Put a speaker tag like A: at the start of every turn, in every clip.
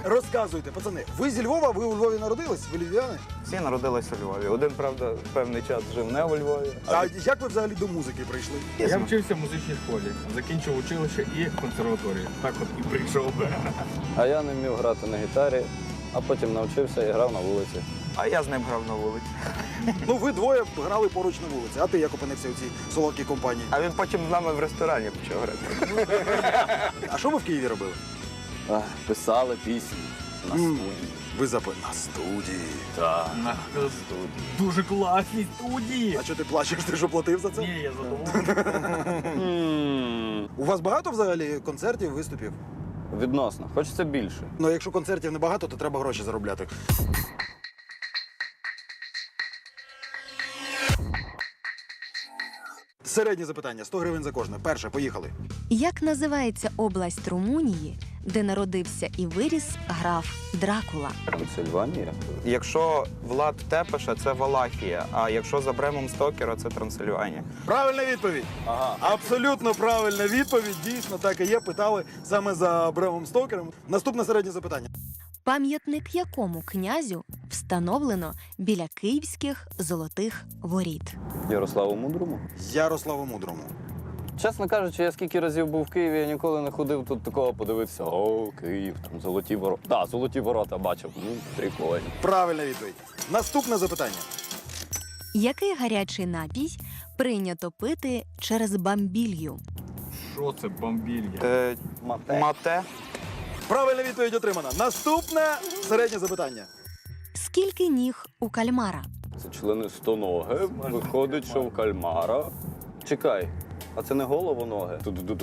A: Розказуйте, пацани, ви зі Львова, ви у Львові народились? Ви львів'яни?
B: Всі народилися у Львові. Один, правда, певний час жив не у Львові.
A: А як ви взагалі до музики прийшли?
C: Я вчився в музичній школі, закінчив училище і консерваторію. Так от і прийшов.
D: А я не вмів грати на гітарі, а потім навчився і грав на вулиці.
B: А я з ним грав на вулиці.
A: Ну, ви двоє грали поруч на вулиці, а ти як опинився у цій солодкій компанії?
B: А він потім з нами в ресторані почав грати.
A: А що ви в Києві робили?
D: Писали пісні на студії.
A: Ви на студії.
D: Так.
C: Дуже класні студії.
A: А що ти плачеш, ти що платив за це?
C: Ні, я задоволений.
A: У вас багато взагалі концертів, виступів?
D: Відносно. Хочеться більше.
A: Ну, якщо концертів небагато, то треба гроші заробляти. Середнє запитання, 100 гривень за кожне. Перше, поїхали.
E: Як називається область Румунії, де народився і виріс граф Дракула?
D: Трансильванія.
B: Якщо Влад Тепеша, це Валахія, а якщо за Бремом Стокера, це Трансильванія.
A: Правильна відповідь.
D: Ага.
A: Абсолютно правильна відповідь. Дійсно, так і є. Питали саме за Бремом Стокером. Наступне середнє запитання.
E: Пам'ятник якому князю встановлено біля київських золотих воріт?
D: Ярославу Мудрому.
A: Ярославу Мудрому.
D: Чесно кажучи, я скільки разів був в Києві, я ніколи не ходив тут такого подивитися. О, Київ, там золоті ворота. Так, золоті ворота бачив. Ну, прикольно.
A: Правильна відповідь. Наступне запитання.
E: Який гарячий напій прийнято пити через бамбілью?
C: Що це бомбілья?
B: Мате.
A: Правильна відповідь отримана. Наступне середнє запитання.
E: Скільки ніг у кальмара?
D: Це члени стоноги. Виходить, що в кальмара. Чекай, а це не головоноги?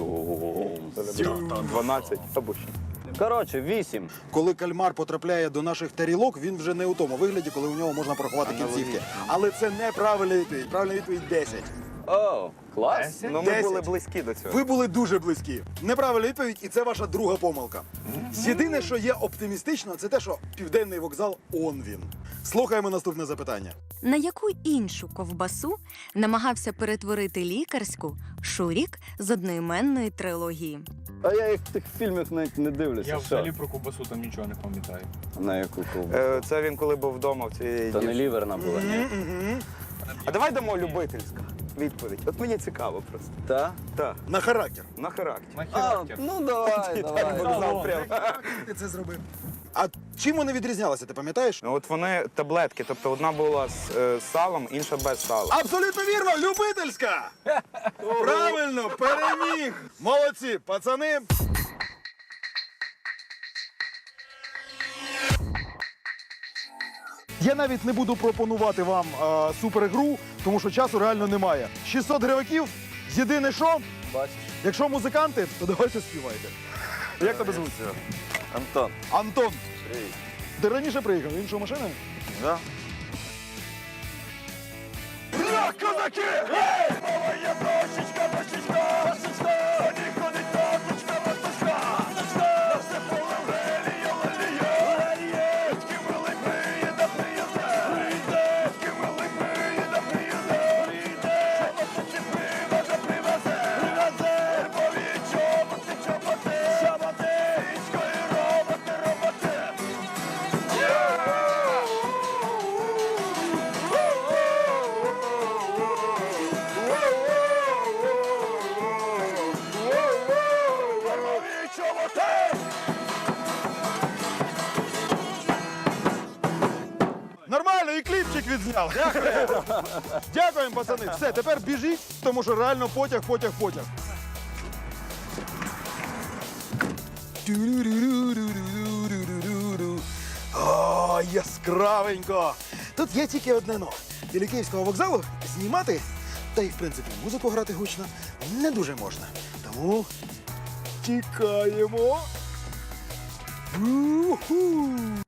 B: 12 або ще.
D: Коротше, 8.
A: Коли кальмар потрапляє до наших тарілок, він вже не у тому вигляді, коли у нього можна порахувати кінцівки. Але це неправильна відповідь. Правильна відповідь 10.
D: О, клас.
B: Ну, ми
A: 10.
B: були близькі до цього.
A: Ви були дуже близькі. Неправильна відповідь, і це ваша друга помилка. Єдине, що є оптимістично, це те, що Південний вокзал – он він. Слухаємо наступне запитання.
E: На яку іншу ковбасу намагався перетворити лікарську Шурік з одноіменної трилогії?
D: А я їх в тих фільмах навіть не дивлюся.
C: Я
D: Що?
C: взагалі про ковбасу там нічого не пам'ятаю.
D: На яку ковбасу?
B: Це він коли був вдома в цій...
D: Та не ліверна була, ні?
B: А давай дамо любительську відповідь. От мені цікаво просто.
D: Та?
B: Так,
A: На характер.
B: на характер.
C: На
D: А,
C: характер.
D: ну давай, давай.
B: Вокзал прямо.
A: Ти це зробив. А чим вони відрізнялися, ти пам'ятаєш?
B: Ну, от вони таблетки, тобто одна була з салом, інша без сала.
A: Абсолютно вірно, любительська! Правильно, переміг! Молодці, пацани! Я навіть не буду пропонувати вам супергру, тому що часу реально немає. 600 гриваків, єдине що,
D: Бачиш?
A: якщо музиканти, то давайте співайте. Як тебе звуть?
D: Антон.
A: Антон. Ти раніше приїхав, іншою машиною?
D: Да?
A: Козаки! Ей! Мова є дощечка, дощечка, дощечка! Ходить таточка, матушка! На все поле лелія, лелія! Лелієчки милий приїде, приїде! Лелієчки милий приїде, приїде! Приїде! Чоботи привезе, привезе! Привезе! Львові чоботи, чоботи! Чоботи! Річкою роботи, роботи! Нормально, і кліпчик відзняв. Дякую. Дякуємо, пацани. Все, тепер біжіть, тому що реально потяг. О, яскравенько. Тут є тільки одне но. Біля Київського вокзалу знімати, та й в принципі музику грати гучно не дуже можна. Тому тікаємо. У-ху.